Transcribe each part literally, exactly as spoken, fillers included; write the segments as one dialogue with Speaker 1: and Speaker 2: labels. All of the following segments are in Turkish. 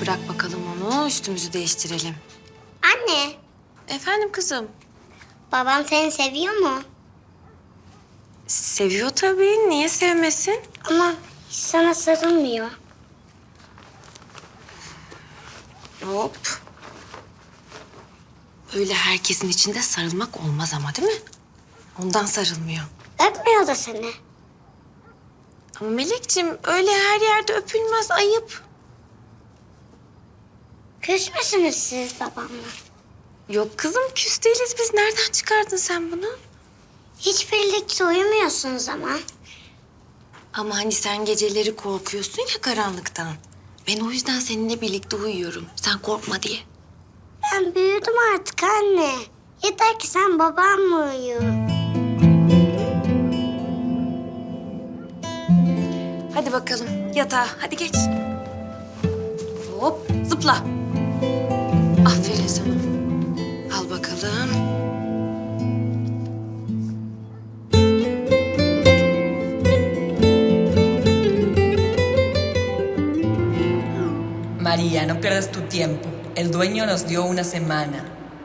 Speaker 1: bırak bakalım onu, üstümüzü değiştirelim.
Speaker 2: Anne,
Speaker 1: Efendim kızım?
Speaker 2: babam seni seviyor mu?
Speaker 1: Seviyor tabii, niye sevmesin?
Speaker 2: Ama hiç sana sarılmıyor.
Speaker 1: Hop. Öyle herkesin içinde sarılmak olmaz ama değil mi? Ondan sarılmıyor.
Speaker 2: Öpmüyor da seni.
Speaker 1: Ama Melekciğim öyle her yerde öpülmez, ayıp.
Speaker 2: Küs müsünüz siz babamla?
Speaker 1: Yok kızım, küs değiliz biz. Nereden çıkardın sen bunu?
Speaker 2: Hiç birlikte uyumuyorsunuz ama.
Speaker 1: Ama hani sen geceleri korkuyorsun ya karanlıktan. Ben o yüzden seninle birlikte uyuyorum. Sen korkma diye.
Speaker 2: Ben büyüdüm artık anne. Yeter ki sen babamla uyu.
Speaker 1: Hadi bakalım yatağa, hadi geç. Hop, zıpla. Aferin sana. Al bakalım.
Speaker 3: María, no pierdas tu tiempo. El dueño nos dio una semana.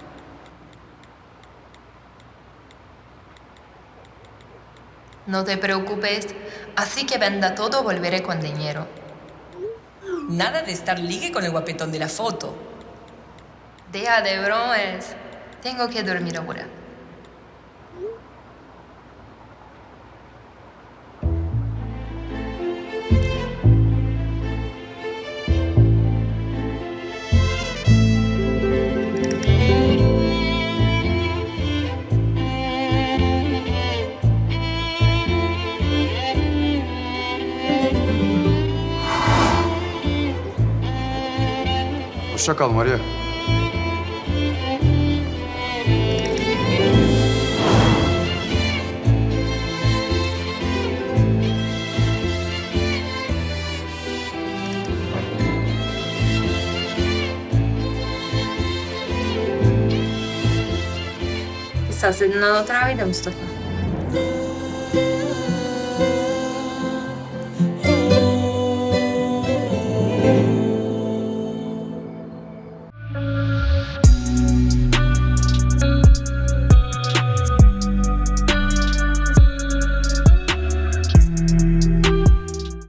Speaker 4: No te preocupes, así que venda todo, volveré con dinero.
Speaker 3: Nada de estar ligue con el guapetón de la foto.
Speaker 4: Deja de bromas. Tengo que dormir ahora.
Speaker 5: Hoşça kal Maria.
Speaker 4: Estás en una otra vida, Mustafa.